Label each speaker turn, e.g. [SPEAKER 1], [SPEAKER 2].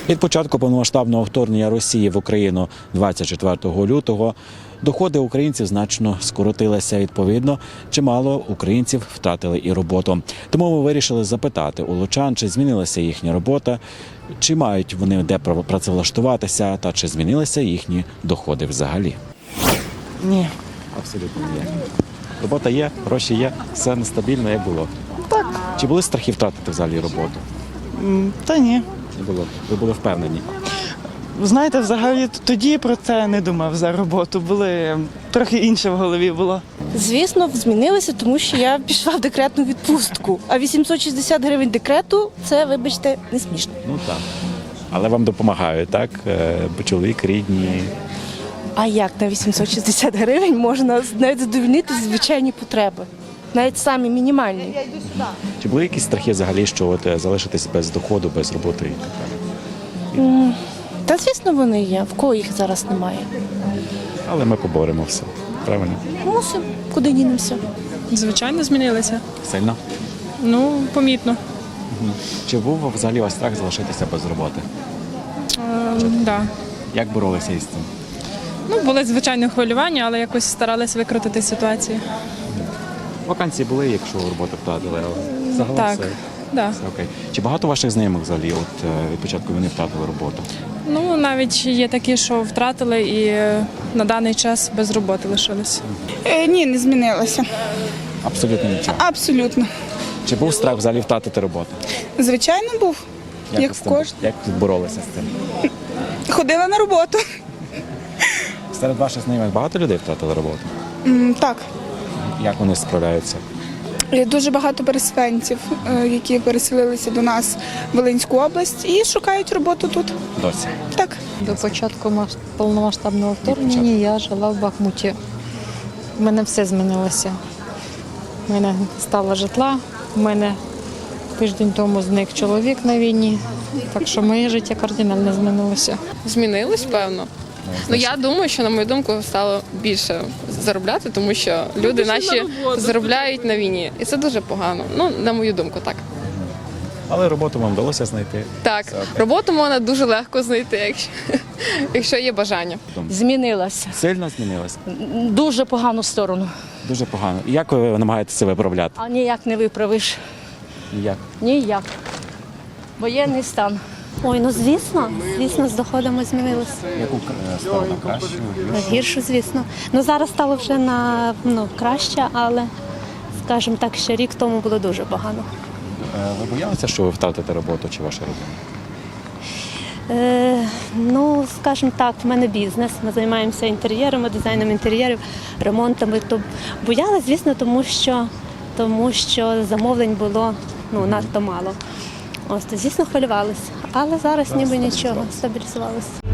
[SPEAKER 1] Від початку повномасштабного вторгнення Росії в Україну 24 лютого доходи українців значно скоротилися. Відповідно, чимало українців втратили і роботу. Тому ми вирішили запитати у лучан, чи змінилася їхня робота, чи мають вони де працевлаштуватися, та чи змінилися їхні доходи взагалі.
[SPEAKER 2] Ні.
[SPEAKER 1] Абсолютно ні. Робота є, гроші є, все нестабільно, як було.
[SPEAKER 2] Так.
[SPEAKER 1] Чи були страхи втратити взагалі роботу?
[SPEAKER 2] Та ні.
[SPEAKER 1] Не було. Ви були впевнені?
[SPEAKER 2] Знаєте, взагалі тоді про це не думав за роботу. Були трохи інше в голові було.
[SPEAKER 3] Звісно, змінилося, тому що я пішла в декретну відпустку. А 860 гривень декрету – це, вибачте, не смішно.
[SPEAKER 1] Ну так. Але вам допомагають, так? Чоловік, рідні.
[SPEAKER 3] А як на 860 гривень можна навіть задовольнити звичайні потреби? Навіть самі мінімальні.
[SPEAKER 1] Чи були якісь страхи взагалі, що от залишитись без доходу, без роботи і так далі?
[SPEAKER 3] Та, звісно, вони є. В кого їх зараз немає?
[SPEAKER 1] Але ми поборемо все. Правильно?
[SPEAKER 3] Мусимо. Куди дінемося?
[SPEAKER 4] Звичайно, змінилися.
[SPEAKER 1] Сильно?
[SPEAKER 4] Ну, помітно.
[SPEAKER 1] Чи був взагалі у вас страх залишитися без роботи?
[SPEAKER 4] Да.
[SPEAKER 1] Як боролися із цим?
[SPEAKER 4] Ну, були звичайно хвилювання, але якось старались викрутити ситуацію.
[SPEAKER 1] Вакансії були, якщо роботу втратили, але загалом
[SPEAKER 4] Так,
[SPEAKER 1] все,
[SPEAKER 4] да.
[SPEAKER 1] все окей. Чи багато ваших знайомих взагалі від початку війни втратили роботу?
[SPEAKER 4] Ну, навіть є такі, що втратили і на даний час без роботи лишились.
[SPEAKER 5] Ні, не змінилося.
[SPEAKER 1] Абсолютно нічого.
[SPEAKER 5] Абсолютно.
[SPEAKER 1] Чи був страх взагалі втратити роботу?
[SPEAKER 5] Звичайно, був. Як
[SPEAKER 1] ви з
[SPEAKER 5] в
[SPEAKER 1] цим-
[SPEAKER 5] кожній.
[SPEAKER 1] Як боролися з цим?
[SPEAKER 5] Ходила на роботу.
[SPEAKER 1] Серед ваших знайомих багато людей втратили роботу?
[SPEAKER 5] Так.
[SPEAKER 1] Як вони справляються?
[SPEAKER 5] Є дуже багато переселенців, які переселилися до нас в Волинську область і шукають роботу тут.
[SPEAKER 1] Досі.
[SPEAKER 5] Так.
[SPEAKER 6] До початку повномасштабного вторгнення я жила в Бахмуті. У мене все змінилося. У мене стало житла, у мене тиждень тому зник чоловік на війні, так що моє життя кардинально змінилося.
[SPEAKER 7] Змінилось, певно. Ну я думаю, що на мою думку стало більше заробляти, тому що люди наші заробляють на війні, і це дуже погано. Ну на мою думку, так.
[SPEAKER 1] Але роботу вам вдалося знайти?
[SPEAKER 7] Так,
[SPEAKER 1] Все окей.
[SPEAKER 7] роботу можна дуже легко знайти, якщо є бажання.
[SPEAKER 8] Змінилася.
[SPEAKER 1] Сильно змінилося?
[SPEAKER 8] Дуже погану сторону.
[SPEAKER 1] Дуже погано. І як ви намагаєтеся це виправляти?
[SPEAKER 8] А ніяк не виправиш.
[SPEAKER 1] Ніяк.
[SPEAKER 8] Ніяк. Воєнний стан.
[SPEAKER 9] Ой, ну звісно, з доходами змінилося.
[SPEAKER 1] Яку сторону краще?
[SPEAKER 9] Гірше, звісно. Ну зараз стало вже краще, але, скажімо так, ще рік тому було дуже погано.
[SPEAKER 1] Ви боялися, що ви втратите роботу чи ваша родина?
[SPEAKER 9] Ну, скажімо так, в мене бізнес. Ми займаємося інтер'єрами, дизайном інтер'єрів, ремонтами. То боялась, звісно, тому що замовлень було надто мало. Ось, то, звісно, хвилювалися. Але зараз ніби нічого, стабілізувалися.